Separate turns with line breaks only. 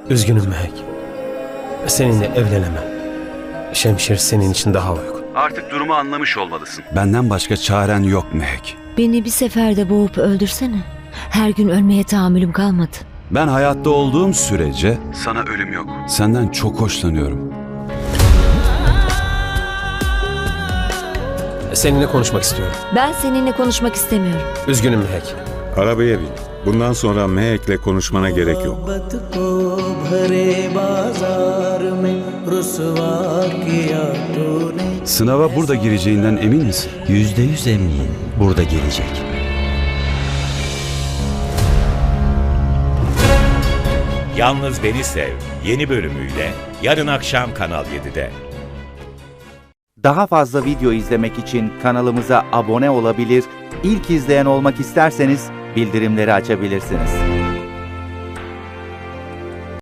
Üzgünüm Mehek. Seninle evlenemem. Şemşir senin için daha uygun.
Artık durumu anlamış olmalısın.
Benden başka çaren yok Mehek.
Beni bir seferde boğup öldürsene. Her gün ölmeye tahammülüm kalmadı.
Ben hayatta olduğum sürece
Sana ölüm yok.
senden çok hoşlanıyorum.
Seninle konuşmak istiyorum.
Ben seninle konuşmak istemiyorum.
Üzgünüm Mehek.
Arabaya bin. Bundan sonra Mehek'le konuşmana gerek yok.
Sınava burada gireceğinden emin misin?
%100 eminim burada gelecek.
Yalnız Beni Sev yeni bölümüyle yarın akşam Kanal 7'de.
Daha fazla video izlemek için kanalımıza abone olabilir, ilk izleyen olmak isterseniz bildirimleri açabilirsiniz.